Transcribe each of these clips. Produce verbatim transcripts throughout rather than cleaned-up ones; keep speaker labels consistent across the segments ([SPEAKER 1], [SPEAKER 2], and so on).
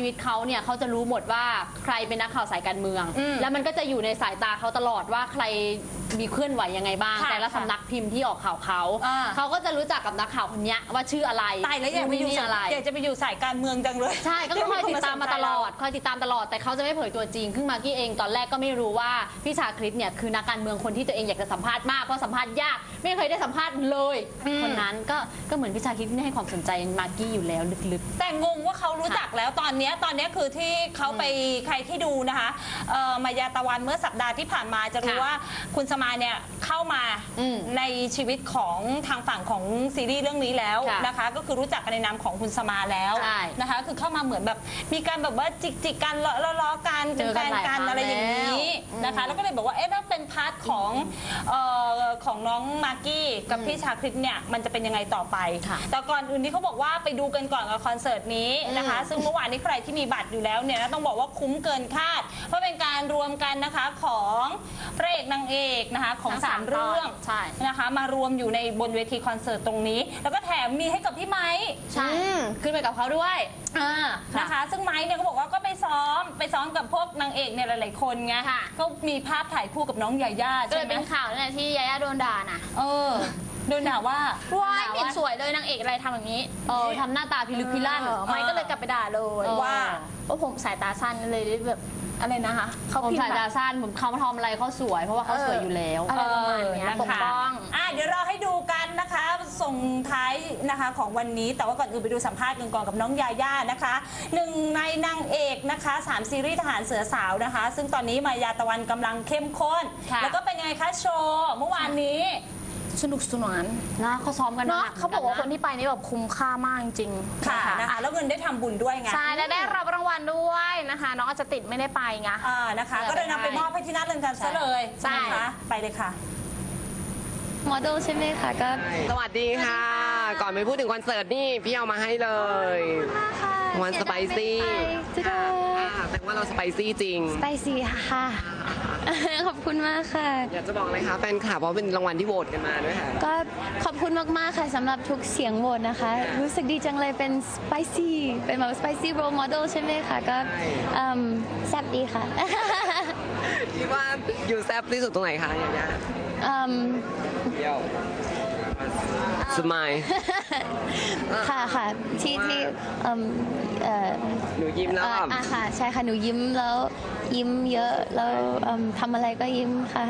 [SPEAKER 1] ชีวิตเขาเนี่ยเขาจะรู้หมดว่าใครเป็นนักข่าวสายการเมืองแล้วมันก็จะอยู่ในสายตาเขาตลอดว่าใครมีเคลื่อนไหวยังไงบ้างแต่ละสำนักพิมพ์ที่ออกข่าวเขาเขาก็จะรู้จักกับนักข่าวคนนี้ว่าชื่ออะไร
[SPEAKER 2] ตายแล้วอยากไปอยู่อะไรอยากจะไปอยู่สายการเมืองจังเลย
[SPEAKER 1] ใช่ก็คอยติดตามมาตลอดคอยติดตามตลอดแต่เขาจะไม่เผยตัวจริงขึ้นมากี้เองตอนแรกก็ไม่รู้ว่าพี่ชาคริตเนี่ยคือนักการเมืองคนที่ตัวเองอยากจะสัมภาษณ์มากเพราะสัมภาษณ์ยากไม่เคยได้สัมภาษณ์เลยคนนั้นก็ก็เหมือนพี่ชาคริตไม่ให้ความสนใจมากกี้อยู่แล้วลึกๆ
[SPEAKER 2] แต่งงว่าเขารู้จักแล้วตอนนี้ตอนนี้คือที่เขาไปใครที่ดูนะคะมายาตะวันเมื่อสัปดาห์ที่ผ่านมาจะรู้ว่าคุณสมายเนี่ยเข้ามาในชีวิวิตของทางฝั่งของซีรีส์เรื่องนี้แล้วนะคะก็คือรู้จักกันในนามของคุณสมาแล้วนะคะคือเข้ามาเหมือนแบบมีการแบบว่าจิกจิกกันล้อๆกันเป็นแฟนกันอะไรอย่างนี้นะคะแล้วก็เลยบอกว่าเอ๊ะถ้าเป็นพาร์ทของของน้องมากกี้กับพี่ชาคริตเนี่ยมันจะเป็นยังไงต่อไปแต่ก่อนอื่นที่เขาบอกว่าไปดูกันก่อนกับคอนเสิร์ตนี้นะคะซึ่งเมื่อวานนี้ใครที่มีบัตรอยู่แล้วเนี่ยต้องบอกว่าคุ้มเกินคาดเพราะเป็นการรวมกันนะคะของพระเอกนางเอกนะคะของสามเรื่องนะคะมารวมอยู่ในบนเวทีคอนเสิร์ตตรงนี้แล้วก็แถมมีให้กับพี่ไม้
[SPEAKER 1] ใช่ขึ้นไปกับเขาด้วย
[SPEAKER 2] นะคะซึ่งไม้เนี่ยเขาบอกว่าก็ไปซ้อมไปซ้อมกับพวกนางเอกเนี่ยหลายๆคนไงก็มีภาพถ่ายคู่กับน้องยาย่า
[SPEAKER 1] ก็เลยเป็นข่าวนั่นแหละที่ยาย่าโดนด่านะ
[SPEAKER 2] เออโดนด่าว่า
[SPEAKER 1] ว้ายไม่สวยเลยนางเอกอะไรทำอย่างนี้เออทำหน้าตาพิลึกพิลั่นไม้ก็เลยกลับไปด่าเลย
[SPEAKER 2] ว่า
[SPEAKER 1] ว่าผมสายตาสั้นเลยแบบอะไรนะคะเขาผมสายตาสั้นผมเขาทำอะไรเขาสวยเพราะว่าเขาสวยอยู่แล้ว
[SPEAKER 2] อะไรประมาณนี้ปกป้องอ่ะเดี๋ยวเราให้ดูกันนะคะส่งท้ายนะคะของวันนี้แต่ว่าก่อนอื่นไปดูสัมภาษณ์กันก่อนกับน้องยาย่านะคะหนึ่งในนางเอกนะคะสามซีรีส์ทหารเสือสาวนะคะซึ่งตอนนี้มายาตะวันกำลังเข้มข้นแล้วก็เป็นยังไงคะโชว์เมื่อวานนี้
[SPEAKER 1] สนุกสนานนะเขาซ้อมกันนะเขาบอกว่าคนที่ไปนี่แบบคุ้มค่ามากจริง
[SPEAKER 2] ค่ะนะคะแล้วเงินได้ทำบุญด้วยไง
[SPEAKER 1] ใช่และได้รับรางวัลด้วยนะคะน้องอาจจะติดไม่ได้ไปไง
[SPEAKER 2] อ่านะคะก็เลยนำไปมอบให้ที่นัดเรือนจำซะเลยใช่ค่ะไปเลยค่ะ
[SPEAKER 1] โมเดลใช่ไหมคะก็
[SPEAKER 3] สวัสดีค่ะก่อนไปพูดถึงคอนเสิร์ตนี่พี่เอามาให้เลยวันสไปซี่แต่ว่าเราสไปซี่จริง
[SPEAKER 1] สไปซี่ค่ะขอบคุณมากค่ะ
[SPEAKER 3] อยากจะบอกอะไรคะแฟนคลับเพราะเป็นรางวัลที่โหวตกันมาด้วยค่ะ
[SPEAKER 1] ก็ขอบคุณมากๆค่ะสำหรับทุกเสียงโหวตนะคะรู้สึกดีจังเลยเป็นสไปซี่เป็นแบบสไปซี่โรลโมเดลใช่ไหมคะก็แซ่บดีค่ะ
[SPEAKER 3] คิดว่าอยู่แซ่บที่สุดตรงไหนคะยาย่าเดี่ยวสมัย
[SPEAKER 1] ค่ะค่ะที่ที่
[SPEAKER 3] หนูยิ้มแล้ว
[SPEAKER 1] อ่ะค่ะใช่ค่ะหนูยิ้มแล้วยิ้มเยอะแล้วทำอะไรก็ยิ้มค่ะ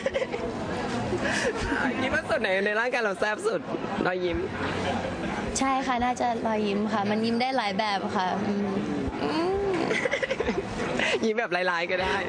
[SPEAKER 3] คิดว่าส่วนไหนในร่างกายเราแซ่บสุดรอยยิ้ม
[SPEAKER 1] ใช่ค่ะน่าจะรอยยิ้มค่ะมันยิ้มได้หลายแบบค่ะ
[SPEAKER 3] ยิ้มแบบลายๆก็ได้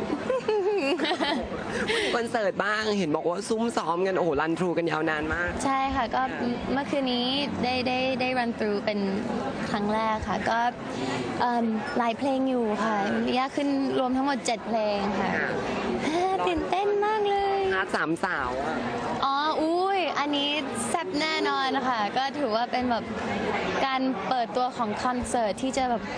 [SPEAKER 3] คอนเสิร์ตบ้างเห็นบอกว่าซุ้มซ้อมกันโอ้โหรันทรูกันยาวนานมาก
[SPEAKER 1] ใช่ค่ะก็เมื่อคืนนี้ได้ได้ได้รันทรูเป็นครั้งแรกค่ะก็หลายเพลงอยู่ค่ะยากขึ้นรวมทั้งหมดเจ็ดเพลงค่ะตื่นเต้นมากเลย
[SPEAKER 3] ฮาร์ดสามสาว
[SPEAKER 1] อ๋ออุ้ยอันนี้แซ่บแน่นอนค่ะก็ถือว่าเป็นแบบการเปิดตัวของคอนเสิร์ตที่จะแบบ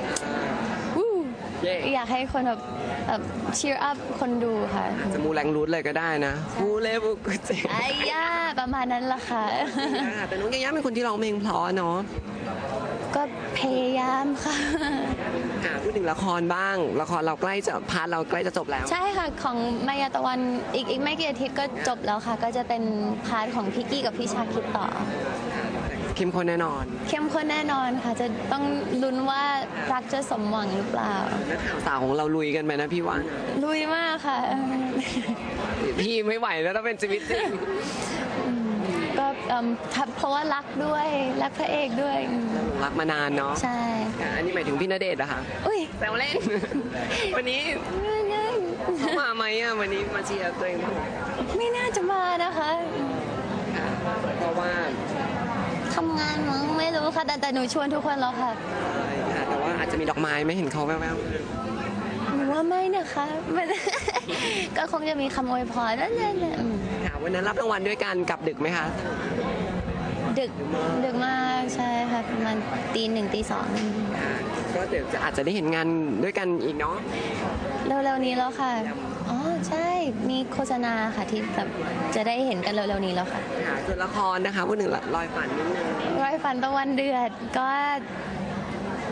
[SPEAKER 1] อยากให้คนแบบแบบเชียร์อัพคนดูค่ะ
[SPEAKER 3] จะมูแรงรูทเลยก็ได้นะมูเลบุกุเจ
[SPEAKER 1] ไอ้ย่าประมาณนั้นละค่ะ
[SPEAKER 3] แต่น้องยาย่าเป็นคนที่ร้องเพลงเพราะเนาะ
[SPEAKER 1] ก็พยายามค่ะ
[SPEAKER 3] พูดถึงละครบ้างละครเราใกล้จะพาร์ทเราใกล้จะจบแล้ว
[SPEAKER 1] ใช่ค่ะของมายาตะวันอีกอีกไม่กี่อาทิตย์ก็จบแล้วค่ะก็จะเป็นพาร์ทของพี่กี้กับพี่ชาคิดต่อ
[SPEAKER 3] เข้มข้นแน่นอน
[SPEAKER 1] เข้มข้นแน่นอนค่ะจะต้องลุ้นว่ารักจะสมหวังหรือเปล่า
[SPEAKER 3] นักข่าวสาวของเราลุยกันไหมนะพี่ว่า
[SPEAKER 1] ลุยมากค่ะ
[SPEAKER 3] พี่ไม่ไหวแล้วต้องเป็นชีวิตจริง
[SPEAKER 1] ก็เพราะว่ารักด้วยรักพระเอกด้วย
[SPEAKER 3] รักมานานเนาะ
[SPEAKER 1] ใช่
[SPEAKER 3] อันนี้หมายถึงพี่ณเดชน์เหรอคะ
[SPEAKER 1] อุ้ย
[SPEAKER 3] แซวเล่นวันนี้เขามาไหมอ่ะวันนี้มาเชียร์ตัวเอง
[SPEAKER 1] ไม่น่าจะมานะคะ
[SPEAKER 3] เพราะว่า
[SPEAKER 1] ทำงานมั้งไม่รู้ค่ะแต่แต่หนูชวนทุกคนแล้วค่ะ
[SPEAKER 3] แต่ว่าอาจจะมีดอกไม้ไม่เห็นเขาแวว
[SPEAKER 1] ๆหนูว่าไม่นะคะก็คงจะมีคำอวยพรนั่นแหละ
[SPEAKER 3] ค่ะวันนั้นรับรางวัลด้วยกันกลับดึกไหมคะ
[SPEAKER 1] ดึกดึกมากใช่ค่ะประมาณตีหนึ่งตีสอง
[SPEAKER 3] ก็เดี๋ยวจะอาจจะได้เห็นงานด้วยกันอีกเนาะ
[SPEAKER 1] เร็วๆนี้แล้วค่ะอ๋อใช่มีโฆษณาค่ะที่แบบจะได้เห็นกันเร็วๆนี้แล้วค่ะ
[SPEAKER 3] ค่ะส่วนละครนะคะพูดถึงรอยฝันนิดนึง
[SPEAKER 1] รอยฝันตะวันเดือดก็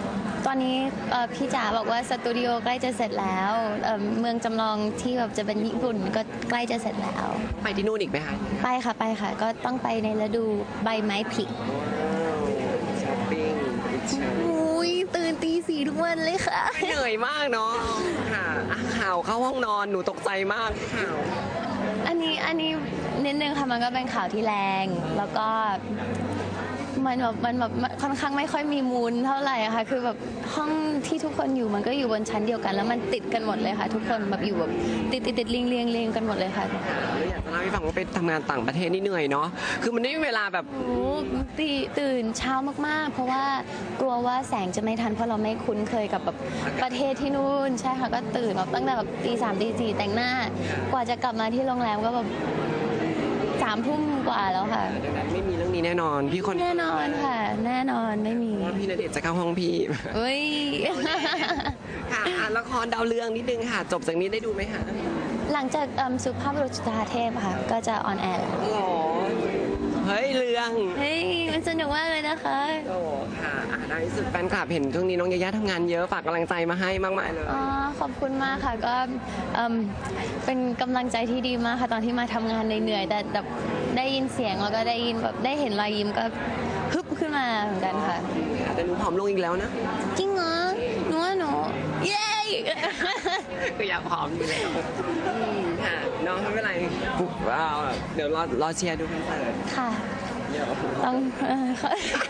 [SPEAKER 4] ตอนนี้เอ่อพี่จ๋าบอกว่าสตูดิโอใกล้จะเสร็จแล้วเอ่อเมืองจำลองที่แบบจะเป็นญี่ปุ่นก็ใกล้จะเสร็จแล้ว
[SPEAKER 3] ไปที่นู่นอีกไหมคะ
[SPEAKER 4] ไปค่ะไปค่ะ ก็ต้องไปในฤดูใบไม้ผลิ
[SPEAKER 3] ช้อปปิ้ง
[SPEAKER 4] อุ้ยตื่นตีสี่ทุกวันเลยค่ะ
[SPEAKER 3] เหนื่อยมากเนาะค่ะอ่ะข่าวเข้าห้องนอนหนูตกใจมากข่าว
[SPEAKER 4] อันนี้อันนี้นิดนึงค่ะมันก็เป็นข่าวที่แรง แล้วก็มันแบบมันแบบค่อนข้างไม่ค่อยมีมูลเท่าไหร่อะค่ะคือแบบห้องที่ทุกคนอยู่มันก็อยู่บนชั้นเดียวกัน แล้วมันติดกันหมดเลยค่ะ ทุกคนแบบอยู่แบบติดติดติดเรียงเรียงเรียงกันหมดเลยค่ะ
[SPEAKER 3] แล้วอยากจะเล่าให้ฟังว่าไปทำงานต่างประเทศนี่เหนื่อยเนาะคือมันไม่มีเวลาแบบ
[SPEAKER 4] โอ้ตีตื่นเช้ามากๆ เพราะว่ากลัวว่าแสงจะไม่ทันเพราะเราไม่คุ้นเคยกับแบบประเทศที่นู่นใช่ค่ะก็ตื่นแบบตั้งแต่แบบตีสามตีสี่แต่งหน้ากว่าจะกลับมาที่โรงแรมก็แบบสามทุ่มกว่าแล้วค่ะ
[SPEAKER 3] ดังนั้นไม่มีเรื่องนี้แน่นอนพี่คน
[SPEAKER 4] แน่นอนค่ะ แน่นอนไม่มี
[SPEAKER 3] ว่าพี่ณเดชน์จะเข้าห้องพี่
[SPEAKER 4] เฮ้ย
[SPEAKER 3] ค่ะอ่ะละครดาวเรืองนิดนึงค่ะ จบจากนี้ได้ดูไหมคะ
[SPEAKER 4] หลังจากเอิ่มสุภาพบุรุษจุฑาเทพค่ะ ก็จะออนแอร์แล้ว
[SPEAKER 3] หรอเฮ้ยเรือง
[SPEAKER 4] เฮ้ยมันสนุกมากเลยนะคะ
[SPEAKER 3] โอ้ค่ะอ่ะในที่สุดแฟนคลับเห็นช่วงนี้น้องยายาทำงานเยอะฝากกำลังใจมาให้มากมายเลย
[SPEAKER 4] อ๋อขอบคุณมากค่ะก็เอิ่มเป็นกำลังใจที่ดีมากค่ะตอนที่มาทำงานเหนื่อยๆแต่แบบได้ยินเสียงแล้วก็ได้ยินแบบได้เห็นรอยยิ้มก็ฮึบขึ้นมาเหมือนกันค่ะ
[SPEAKER 3] แต่หนูผอมลงอีกแล้วนะ
[SPEAKER 4] จริงเหรอหนูว่าหนูเย้
[SPEAKER 3] ก็อยากผอมอยู่แล้วอืมค่ะน้องไม่เป็นไรปุ๊บอ่าเดี๋ยวรอรอเชียร์ดูคอนเสิร์ต
[SPEAKER 4] ค่ะ
[SPEAKER 3] เดี๋ยว
[SPEAKER 4] ต้องเอ่อขอ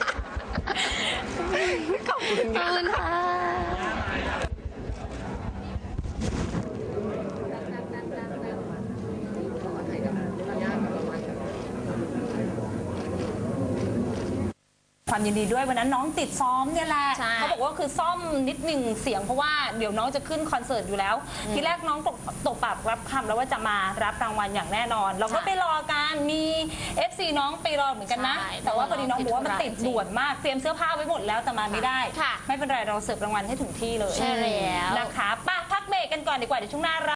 [SPEAKER 3] ขอบคุณ
[SPEAKER 4] ขอบ
[SPEAKER 3] ค่ะ
[SPEAKER 4] คุณค่ะ
[SPEAKER 2] ความยินดีด้วยวันนั้นน้องติดซ้อมเนี่ยแหละ
[SPEAKER 1] ใช่
[SPEAKER 2] เขาบอกว่าคือซ่อมนิดหนึ่งเสียงเพราะว่าเดี๋ยวน้องจะขึ้นคอนเสิร์ตอยู่แล้ว ทีแรกน้องตกตกปากรับคำแล้วว่าจะมารับรางวัลอย่างแน่นอน เราก็ไปรอกันมี เอฟ ซี น้องไปรอเหมือนกันนะ
[SPEAKER 1] ใช่
[SPEAKER 2] แต่ว่าพอดีน้องบอกว่ามัน
[SPEAKER 1] ติ
[SPEAKER 2] ติ
[SPEAKER 1] ด
[SPEAKER 2] ด
[SPEAKER 1] ธุระ
[SPEAKER 2] ด่วนมากเตรียมเสื้อผ้าไว้หมดแล้วแต่มาไม่ได้
[SPEAKER 1] ค่ะ
[SPEAKER 2] ไม่เป็นไรเราเสิร์ฟรางวัลให้ถึงที่เลย
[SPEAKER 1] ใช่แล้ว
[SPEAKER 2] นะคะไป้าพักเบรกกันก่อนดีกว่าเดี๋ยวช่วงหน้า